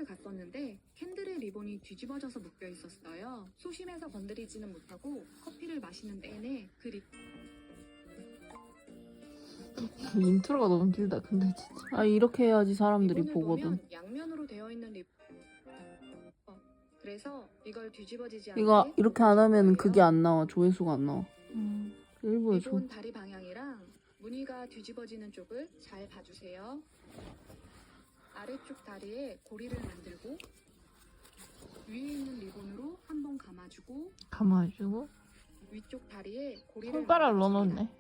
커피숍을 갔었는데 캔들의 리본이 뒤집어져서 묶여 있었어요. 소심해서 건드리지는 못하고 커피를 마시는 내내 그 인트로가 너무 길다 근데 진짜. 아 이렇게 해야지 사람들이 리본을 보거든. 보면 양면으로 되어 있는 그래서 이걸 뒤집어지지 않게 이거 이렇게 안 하면 거예요. 그게 안 나와. 조회수가 안 나와. 일부러 리본 다리 방향이랑 무늬가 뒤집어지는 쪽을 잘 봐주세요. 아래쪽 다리에 고리를 만들고 위에 있는 리본으로 한번 감아주고 감아주고 위쪽 다리에 고리를 손가락을 만들어줍니다. 넣어놓네.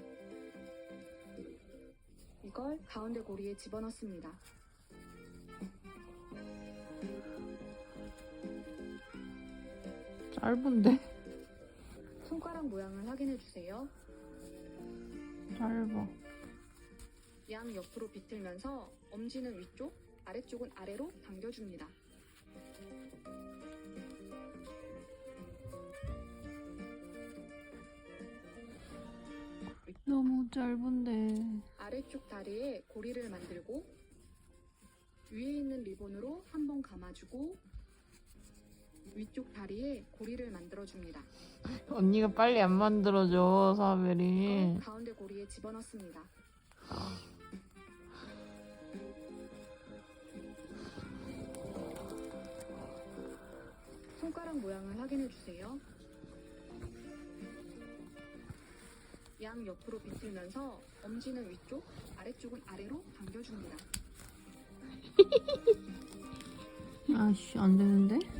이걸 가운데 고리에 집어넣습니다. 짧은데? 손가락 모양을 확인해 주세요. 짧아. 양 옆으로 비틀면서 엄지는 위쪽, 아래쪽은 아래로 당겨줍니다. 너무 짧은데. 아래쪽 다리에 고리를 만들고 위에 있는 리본으로 한번 감아주고 위쪽 다리에 고리를 만들어줍니다. 언니가 빨리 안 만들어줘, 사벨이. 이걸 가운데 고리에 집어넣습니다. 손가락 모양을 확인해 주세요. 양 옆으로 비틀면서 엄지는 위쪽, 아래쪽은 아래로 당겨줍니다. 아씨 안 되는데?